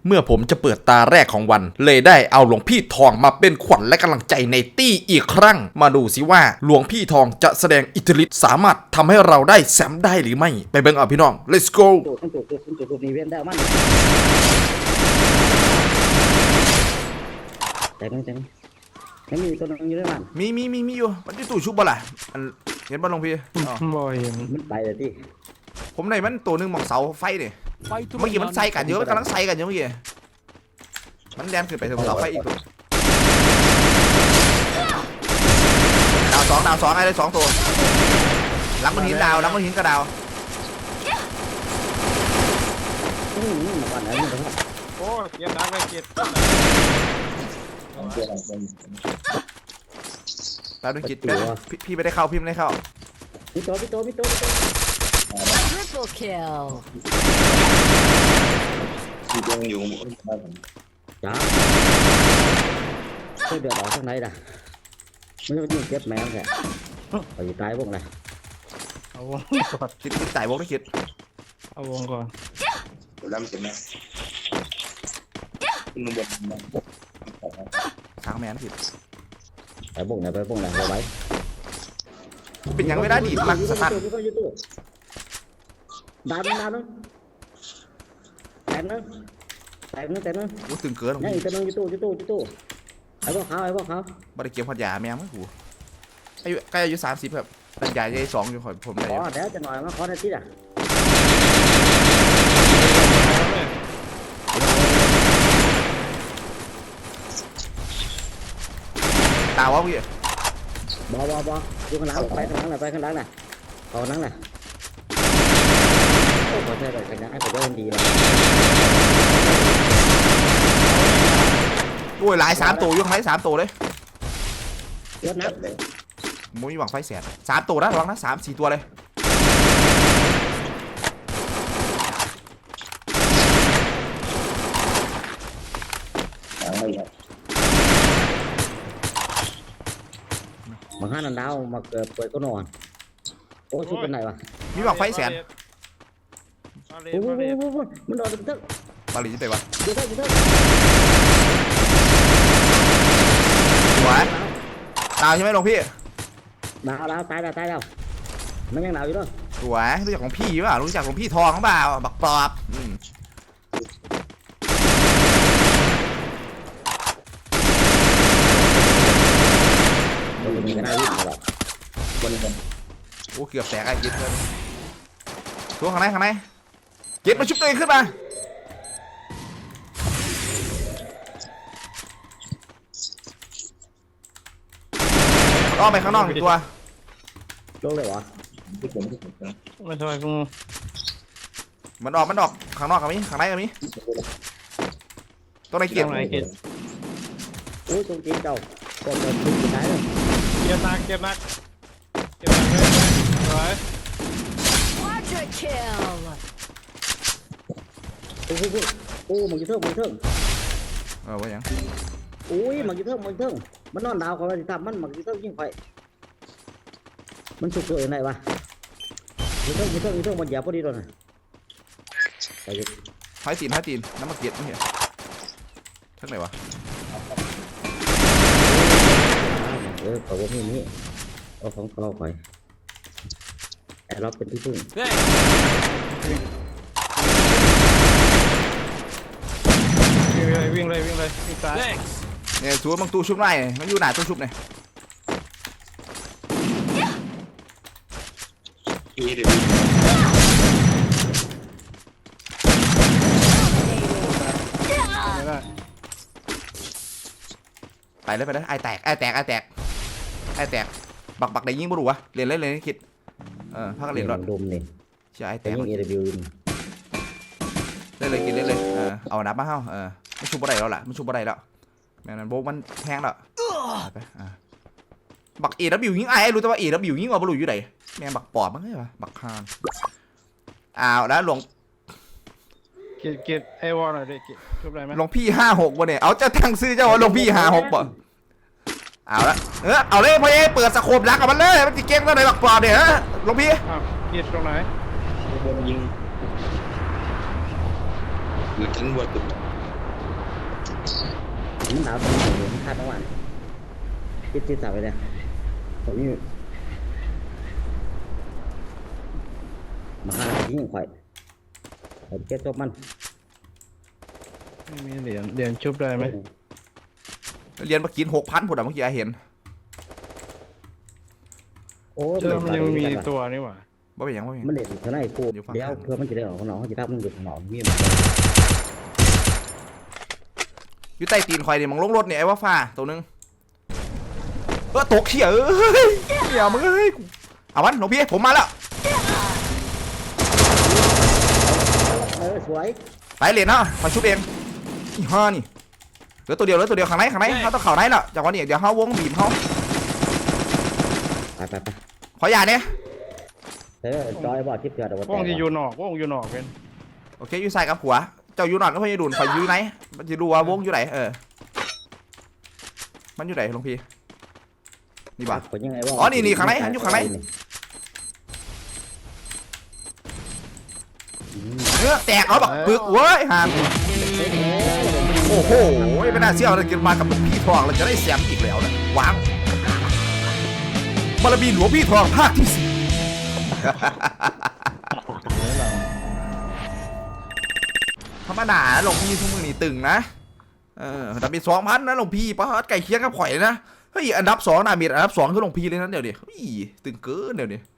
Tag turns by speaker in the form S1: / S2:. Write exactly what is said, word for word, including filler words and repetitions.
S1: เมื่อผมจะเปิดตาแรกของวันเลยได้เอาหลวงพี่ทองมาเป็นขวัญและกำลังใจในตี้อีกครั้งมาดูสิว่าหลวงพี่ทองจะแสดงอิทธิฤทธิ์สามารถทำให้เราได้แซมได้หรือไม่ไปเบิ่งเอาพี่น้อง let's go
S2: จุดจุดจุดจุดจุดนี้เว้นได้มันแต่ไม่แต่ไม่มีตัวนึงอยู่ด้วยมัน
S1: มีมีมีมีอยู่มันที่ตู้ชุบบ่ล่ะอันเห็นบ่หลวงพี่อ๋อ
S3: บ่เห็น
S2: มันไปเลยที่
S1: ผมในมันตัวหนึงมองเสาไฟนี่เมื่อกี้มันใส่กันเยอะมันกำลังใส่กันเยอะเมื่อกี้มันแดนขึ้นไปถึงเสาไฟอีกตัวดาวสองดาวสองไอ้ได้สองตัวหลังมันหินดาวหลังมันหินกระดาว
S2: อืมวันนั้นมัน
S3: โอ้เกียร์ดักเลยเกียร์
S1: ดาวด้วยจิตพี่พี่ไม่ได้เข้าพี่ไม่ได้เข้า
S2: พี่โตพี่โตพี่โตพี่โต
S4: Triple kill.
S5: ที่ยังอยู่
S2: จ้าช่วยเดือดร้อนข้างในด่ะไม่ต้องยิ่งเจ็บแมวแค่ไปตายพวกไหน
S3: เอาวงก่อน
S1: คิดคิดจ่ายวงได้คิด
S3: เอาวงก่อน
S5: ล้ำเสร็จไหมคุณนุ่มบด
S1: ช้างแมนผิด
S2: ไปพวกไหนไปพวกไหนเอาไว้
S1: เป็นยังไม่ได้ดีมักสตัน
S2: ดาวนึงดาวนึงแต่นึงแต่นึงแต่นึง
S1: กูตึงเกิน
S2: นี่แต่นึงยูตู้ยูตู้ยูตู้ไอ้พวกเขาไอ้พวกเขา
S1: บริเกียมพัดยาแมวมั้งกูอายุใกล้อายุสามสิบครับแต่ยาใหญ่สองอยู่ขอผมได้
S2: ขอเดี๋ยวจะหน่อยมาขอได้ที่อ่ะ
S1: ตาวะพี่
S2: บอบอบอดูข้างหลังไปข้างหลังหน่อยไปข้างหลังน่ะเอาข้างหลังน่ะโอ้ขอใช่เลยข้างหลังไอ้ผมว่ามันดีเลย
S1: โอ้ยหลายสามตัวอยู่ข้างในสามตัวเลย
S2: ยศนะ
S1: มุ้ยหวังไฟแสนสามตัวนะระวังนะสามสี่ตัวเลย
S2: มาห้านันดาวมาเกิดเปิดก็นอนโอ้ชุดเป็นไหนวะ
S1: มีหวังไฟแสน
S2: โอ้โหมันโดนตึ๊ก
S1: บาลีจะไปวะ
S2: ตึ๊กตึ๊ก
S1: สวยดาวใช่ไหมหลวงพี่
S2: ดาวดาวตายแล้วตายแล้วมันยังดาวอยู่ด้วย
S1: สวยรู้จักของพี่เปล่ารู้จักของพี่ทองเปล่าบักปอบอืม
S2: มันมีกันได้วิ่งตลอด
S5: บนบน
S1: โอ้เกือบแตกไอ้เจ็ดเลยตัวข้างในข้างในเจ็ดมาชุบตัวเองขึ้นมาอ้อมไปข้างนอกอีกตัว
S2: ลงเลยวะ
S5: ที่ผมที่ผม
S3: ไม่ทำไมกู
S1: มันออกมันออกข้างนอกกับมีข้างในกับมีตัวไหนเกียร์
S3: ไหนเกียร์
S2: โอ้ตรงจีนเจ้าก็เดินทุกท้ายเลย
S3: เกียร์นักเกียร์นักเกียร์นักเลยอะไร
S4: Quadra kill.
S2: โอ้โหโอ้มันจะเทิงมันเทิง
S1: เออว่าอย่าง
S2: โอ้ยมันจะเทิงมันเทิงมันนอนดาวเขาเลยทำมันมันจะเทิงยิ่งไฟมันสุกตัวยังไงวะมันเทิงมันเทิงมันเทิงมันหยาบพอดีเลยนะไปดิ
S1: ท้ายตีนท้ายตีนน้ำมันเกียร์ไม่เห็นทั้งไหนวะ
S2: เออเขาบอกนี่นี่เอาของเขาไปแต่เราเป็นที่พึ่ง
S3: วิ่งเลยวิ่งเลยวิ่งเลยวิ่งซ้าย
S1: เนี่ยชัวร์บางตู้ชุบไล่มันอยู่ไหนตู้ชุบเนี่ย
S5: ที่เดี๋ยว
S3: ไม่ได้
S1: ไปเลยไปเลยไอแตกไอแตกไอแตกไอแตกบักบักได้ยิงบ่รู้วะเรียนเล่นเลยนี่คิดเออพักกันเรียนรอด
S2: ดมนี่
S1: เชื่อไอแต
S2: แต่
S1: ก
S2: ยังเอเดบิว
S1: เล่นเลยกินเล่นเลยเออเอานับมาเฮ้าเออมันชุบบ่ได้แล้วล่ะมันชุบบ่ได้แล้วแม่นั่นโบมันแห้งแล้วไปอ่ะบักเอดับบิวยิงไอ้รู้แต่ว่าเอดับบิวยิงว่าบ่รู้อยู่ไหนแม่บักปอบมั้งไงวะบักคานอ้าวแล้วหลวง
S3: เกียร์เกียร์ไอวอลหน่อยดิเกียร์จบได้ไหม
S1: หลวงพี่ห้าหกบ่เนี่ยเอาจะตั้งซื้อเจ้าว่าหลวงพี่ห้าหกบ่เอาละเออเอาเลยพ่อเอเปิดสโคปรักกับมันเลยมันจะเก่งตั้งไหนบักปอบเนี่ยฮะหลวงพี่
S3: อ้าวเกียร์ตรงไหน
S5: บนยิงหรือกันบนตุ่ม
S2: มันดาวตรงนี้มันคาดตะวันติดติดสาวไปเลยตรงนี้มาหาที่ยิงข่อยเอาเก็บจบมัน
S3: ไม่มีเหรียญเหรียญชุบได้ไหม
S1: เรียนมากินหกพันผุดอะเมื่อกี้เห็น
S2: โอ้ย
S3: เจอมันยังมีตัวนี่หว่า
S1: ว่าเป็นหยังว่าเป็นหยัง
S2: มันเด็ดเท่าไหร่กู
S1: อยู่ฝั่ง
S2: เดี๋ยว
S1: ข้าง
S2: เพื่อมันจะได้ออกข้างนอกเขาจะทับมันอยู่ข้างนอกมีมัน
S1: อยู่ใต้ตีนคอยเนี่ยมึงลงรถเนี่ยไอ้ว่าฟ้าตัวนึงเออตกเขี้ยเอ้ยเดี๋ยวมึงเอ้ยเอาวันหลวงพี่ผมมาแล้ว
S2: เออสวย
S1: ไปเหรียญเนาะคอยชุบเองอีห่านี่เหลือตัวเดียวเหลือตัวเดียวข้างในข้างในเขาต้องเข่าในแล้วจากวันนี้เดี๋ยวเขาวงบีบเขา
S2: ไปไปไป
S1: ขออย่าเนี่ย
S2: เออจอยบอดทิพย์เกิดเอาไว้
S3: วงที่อยู่นอกวงอยู่นอกเป็น
S1: โอเคอยู่ใส่กับหัวเจ้าอยู่นอนก็พยาดูนคอยอยู่ไหนมันจะดูว่าวงอยู่ไหนเออมันอยู่ไหนหลวงพี่นี่บ่า
S2: คนยังไงว่า
S1: อ๋อนี่นี่ข้างในอยู่ข้างใน เนื้อแตกเอาแบบปึกเว้ยหามโอ้โหไม่น่าเชื่อเลยกินมากับหลวงพี่ทองเราจะได้แซมอีกแล้วนะว้าวบารมีหลวงพี่ทองภาคที่สี่ธรรมดาหลวงพี่ทุกมือนี่ตึงนะเออแต่มีสองพันนะหลวงพี่ป้าไก่เคียงกับข่อยนะเฮ้ยอันดับสองนะมีอันดับสองคือหลวงพี่เลยนะเดี๋ยวดิเฮ้ยตึงเกินเดี๋ยวดิ